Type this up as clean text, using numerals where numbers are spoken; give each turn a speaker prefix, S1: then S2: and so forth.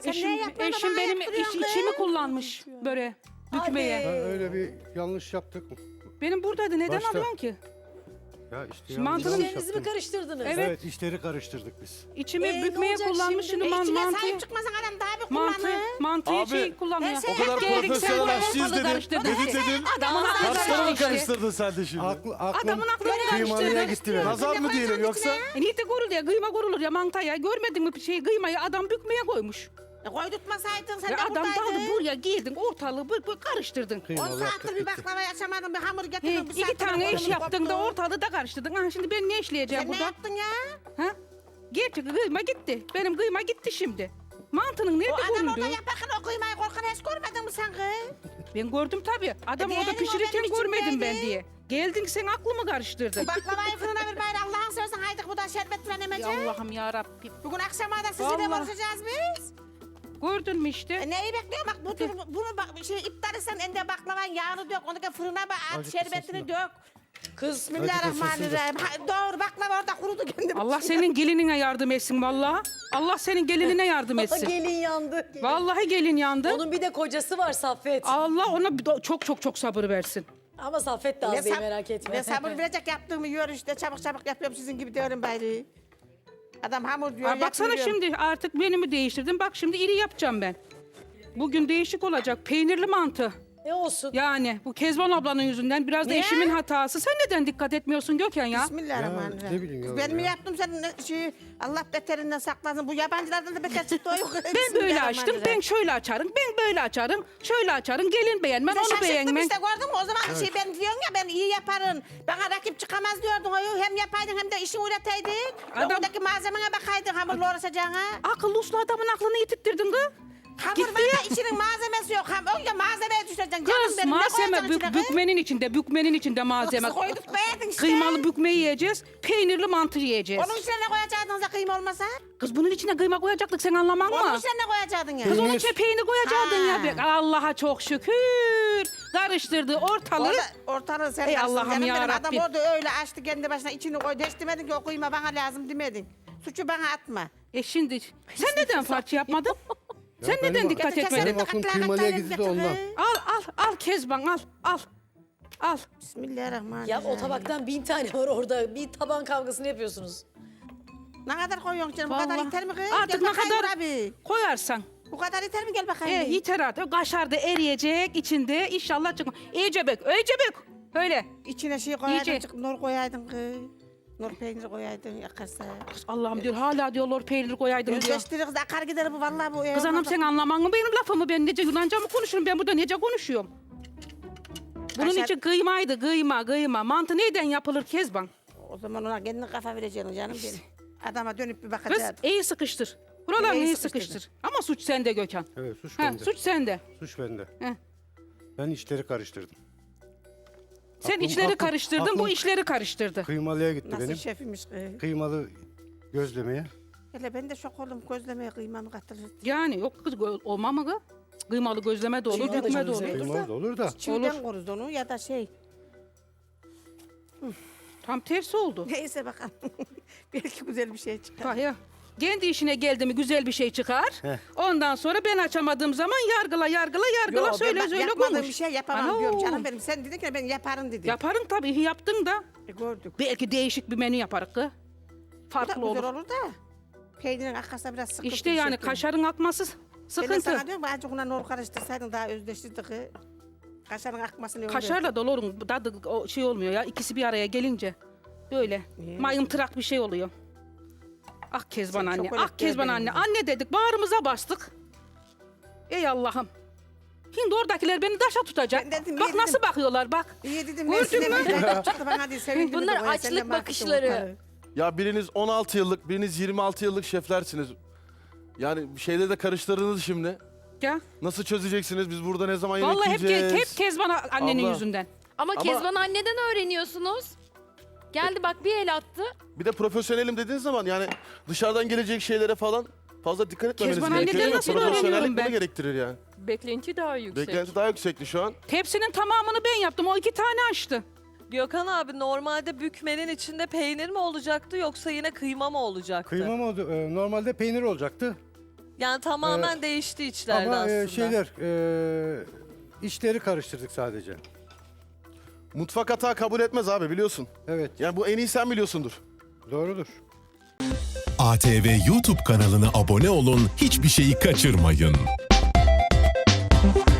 S1: Eşim benim içimi kullanmış böyle dökmeye.
S2: Ben öyle bir yanlış yaptık.
S1: Benim buradaydı. Neden
S2: Başta.
S1: alıyorsun ki?
S2: Ya işte
S1: Şimdi mantının
S2: yanlış
S3: İşlerinizi mi
S2: yaptım.
S3: karıştırdınız?
S1: Evet.
S2: Evet, işleri karıştırdık biz.
S1: İçimi
S3: Ne
S1: bükmeye
S3: olacak
S1: kullanmış.
S3: şimdi?
S1: Şimdi
S4: İçine
S1: mantı.
S4: sahip çıkmasan adam daha bir kullanır.
S1: Mantıyı
S5: Abi,
S1: şey kullanıyor.
S4: o
S5: kadar
S1: Geldik, sen
S5: profesyonel
S1: bu
S5: aşçıyız
S1: ortalığı
S5: dedin.
S1: karıştırdın.
S5: Dedik dedin.
S1: Adamın aklını
S5: Kaşları mı
S1: karıştırdın.
S5: karıştırdın sen de şimdi?
S1: Adamın aklını
S2: Kıymalıya
S1: karıştırdın.
S2: gitti benim.
S5: Nazar mı diyelim yoksa?
S1: Niye de gorul ya? Kıyma gorulur ya mantaya. Görmedin mi bir şey? Kıymayı adam bükmeye koymuş.
S4: Koydurtmasaydın sen
S1: Ve
S4: de
S1: adam daldı
S4: buradaydın.
S1: buraya girdin ortalığı karıştırdın.
S4: 10
S2: Kıymalı
S4: saattir
S2: yaptık
S4: bir
S2: gitti.
S4: baklava açamadın, bir hamur
S1: He,
S4: getirdin. bir
S1: iki
S4: saattir
S1: tane iş
S4: hamurunu
S1: yaptın da
S4: koptu.
S1: ortalığı da karıştırdın. Ha şimdi ben ne işleyeceğim
S4: Sen ne
S1: burada?
S4: yaptın ya?
S1: Ha? Gerçi kıyma gitti. Benim kıyma gitti şimdi. Mantının
S4: O
S1: nerede
S4: adam
S1: görüldü?
S4: orada yaparken o kıymayı korkan hiç görmedin mi sen kız?
S1: Ben gördüm tabii. Adam
S4: diyelim
S1: orada
S4: o
S1: pişirirken
S4: benim
S1: görmedim ben
S4: içimdeydi.
S1: diye. Geldin sen aklımı karıştırdın.
S4: Baklavayı fırına bir bayır Allah'ın seversen haydi bu da şerbet falan
S1: Ya
S4: emeceğim.
S1: Allah'ım ya Rabbim.
S4: Bugün akşama da sizi de
S1: Vallahi.
S4: konuşacağız biz.
S1: Gördün mü işte?
S4: Neyi bekliyorum bak bunu bak şey iptal etsen ende baklavanın yağını dök onu da fırına bak at
S2: Acıktı
S4: şerbetini
S2: sesini.
S4: dök.
S3: Kız
S4: Bismillahirrahmanirrahim. Doğru baklava orada kurudu kendim.
S1: Allah senin gelinine yardım etsin vallahi. Allah senin gelinine yardım etsin.
S3: gelin yandı.
S1: Vallahi gelin yandı.
S3: Onun bir de kocası var Saffet.
S1: Allah ona çok sabır versin.
S3: Ama Saffet de az değil merak etme.
S4: Ne sabır verecek yaptığımı yiyor işte çabuk yapıyorum sizin gibi diyorum bari. Adam hamur diyor.
S1: Aa, baksana
S4: yapıyorum.
S1: şimdi artık menümü değiştirdim. Bak şimdi iri yapacağım ben. Bugün değişik olacak. Peynirli mantı.
S3: Ne olsun?
S1: Yani bu Kezban ablanın yüzünden biraz da
S4: Niye?
S1: eşimin hatası. Sen neden dikkat etmiyorsun Gökhan ya?
S4: Bismillahirrahmanirrahim.
S2: Ya, ne bileyim ya
S4: Ben mi
S2: ya.
S4: yaptım senin Allah beterinden saklasın. Bu yabancılardan da beter çıktı o yok.
S1: Ben böyle açtım, ben şöyle açarım, ben böyle açarım, şöyle açarım. Gelin beğenmez, onu beğenmez.
S4: işte gördün mü? O zaman şey ben diyorum ya ben iyi yaparım. Bana rakip çıkamaz diyordun. O hem yapaydın hem de işini üreteydin.
S1: Adam-
S4: Oradaki malzemene bakaydın hamurla uğraşacağına.
S1: Akıllı uslu adamın aklını yitirttirdin kız.
S4: Hamur
S1: Gitti.
S4: var da içinin malzemesi yok. Önce malzemeye düşeceksin. Canım
S1: Kız
S4: benim ne
S1: malzeme
S4: koyacaksın içine kız?
S1: bükmenin içinde malzeme.
S4: Kız koyduk beğendin işte.
S1: Kıymalı bükme yiyeceğiz, peynirli mantı yiyeceğiz.
S4: Onun içine ne koyacaktınız da kıyma olmasa?
S1: Kız bunun içine kıyma koyacaktık, sen anlaman
S4: Onun
S1: mı?
S4: içine ne koyacaktın ya?
S1: Kız onun içine peynir koyacaktın
S4: Ha.
S1: ya. Allah'a çok şükür. Karıştırdı ortalığı.
S4: Ortalığı sen
S1: Ey
S4: karıştırdın
S1: Allah'ım
S4: canım
S1: ya
S4: benim. Adam
S1: Rabbim.
S4: orada öyle açtı kendi başına içini koydu. Hiç demedin ki o kıyma bana lazım demedin. Suçu bana atma.
S1: Şimdi sen neden farklı yapmadın? Sen
S2: benim
S1: neden
S2: bak-
S1: dikkat
S4: Getir
S1: etmedin?
S2: Benim aklım kıymalıya gitti de ondan.
S1: Al Kezban al. Al.
S4: Bismillahirrahmanirrahim.
S3: Ya o tabaktan 1000 tane var orada. Bir taban kavgasını yapıyorsunuz.
S4: Ne kadar koyuyorsun canım? Bu kadar
S1: Vallahi.
S4: yeter mi kız?
S1: Artık
S4: Gel
S1: ne
S4: bakayım
S1: kadar
S4: abi.
S1: koyarsan.
S4: Bu kadar yeter mi? Gel bakayım.
S1: Yeter artık. O kaşar da eriyecek içinde. İnşallah çıkma. İyice bök. Öyle.
S4: İçine şey koyaydın,
S1: İyice.
S4: nur koyaydın kız. Nur peyniri koyaydın yakarsa.
S1: Kız Allah'ım diyor hala diyorlar peynir koyaydın diyor.
S4: Özleştirir kız akar gider bu vallahi bu.
S1: Kız hanım sen anlaman mı benim lafımı? Ben nece Yunanca mı konuşurum? Ben burada nece konuşuyorum? Bunun
S4: Kaşar-
S1: için kıymaydı kıyma. Mantı neyden yapılır Kezban?
S4: O zaman ona kendine kafa vereceksin canım benim. Adama dönüp bir
S1: Kız
S4: bakacaksın.
S1: iyi sıkıştır. Buralarını
S4: İyi
S1: iyi
S4: sıkıştırdım.
S1: sıkıştır. Ama suç sende Gökhan.
S2: Evet, suç
S1: Ha,
S2: bende.
S1: suç sende.
S2: Suç bende.
S1: He.
S2: Ben işleri karıştırdım.
S1: Sen
S2: Aklım-
S1: içleri
S2: aklım-
S1: karıştırdın, bu
S2: aklım-
S1: işleri karıştırdı.
S2: Kıymalıya gitti
S4: Nasıl
S2: benim.
S4: şefmiş kız.
S2: Kıymalı gözlemeye.
S4: Hele ben de şok oldum gözlemeye kıymamı katılır.
S1: Yani yok kız olma mı kız? Kıymalı gözleme de olur,
S3: Kıymalı
S1: bükme de
S3: gözleme.
S1: olur.
S2: Kıymalı da olur da.
S4: Çiğden koruz onu ya da şey.
S1: Tam tersi oldu.
S4: Neyse bakalım. Belki güzel bir şey çıkar.
S1: Bak ya. Kendi işine geldi mi güzel bir şey çıkar.
S2: Heh.
S1: Ondan sonra ben açamadığım zaman yargıla
S4: Yo,
S1: söyle
S4: ben
S1: söyle
S4: yapmadığım
S1: konuş.
S4: bir şey yapamam
S1: Ana,
S4: diyorum canım benim. Sen dedin ki ben yaparım dedin.
S1: Yaparım tabii yaptın da.
S4: Gördük.
S1: Belki değişik bir menü yaparız kız.
S4: Bu da
S1: Farklı
S4: güzel
S1: olur.
S4: olur da. Peynirin arkasında biraz sıkıntı.
S1: İşte
S4: bir
S1: yani
S4: şey.
S1: kaşarın akması
S4: Ben de
S1: sıkıntı.
S4: sana diyorum azıcık ona nor karıştırsaydın daha özdeştirdi kız. Kaşarın akmasını öyle.
S1: Kaşarla dolorun tadı o şey olmuyor ya. İkisi bir araya gelince. Böyle mayımtırak bir şey oluyor. Ah Kezban
S4: Sen
S1: anne,
S4: çok
S1: ah
S4: öyle
S1: Kezban
S4: benim
S1: anne.
S4: gibi.
S1: Anne dedik, bağrımıza bastık. Ey Allah'ım. Şimdi oradakiler beni taşa tutacak.
S4: Ben dedim,
S1: Bak
S4: yedim.
S1: nasıl bakıyorlar bak.
S4: İyi dedim.
S1: Gördün mü?
S4: Çıktı bana diye sevindim.
S6: Bunlar
S4: de koya,
S6: açlık
S4: sen de mahvettin
S6: bakışları.
S4: ortalığı.
S5: Ya biriniz 16 yıllık, biriniz 26 yıllık şeflersiniz. Yani bir şeyleri de karıştırdınız şimdi.
S1: Ya.
S5: Nasıl çözeceksiniz? Biz burada ne zaman yemek
S1: Vallahi hep,
S5: yiyeceğiz?
S1: hep Kezban annenin
S5: Abla.
S1: yüzünden.
S6: Ama
S5: Ama-
S6: Kezban anneden öğreniyorsunuz. Geldi bak bir el attı.
S5: Bir de profesyonelim dediğiniz zaman yani dışarıdan gelecek şeylere falan fazla dikkat etmemeniz
S1: Kezban
S5: gerekiyor.
S1: anneden
S5: değil mi?
S1: nasıl öğreniyorum
S5: Profesyonellik
S1: ben?
S5: bunu gerektirir yani.
S7: Beklenti daha yüksek.
S5: Beklenti daha yüksekti şu an.
S1: Tepsinin tamamını ben yaptım. O 2 tane açtı.
S7: Gökhan abi normalde bükmenin içinde peynir mi olacaktı yoksa yine kıyma mı olacaktı?
S2: Kıyma mı oldu? Normalde peynir olacaktı.
S7: Yani tamamen değişti içlerde
S2: Ama
S7: aslında.
S2: işleri karıştırdık sadece.
S5: Mutfak hata kabul etmez abi biliyorsun.
S2: Evet,
S5: Yani bu en iyi sen biliyorsundur.
S2: doğrudur.
S8: ATV YouTube kanalına abone olun, hiçbir şeyi kaçırmayın.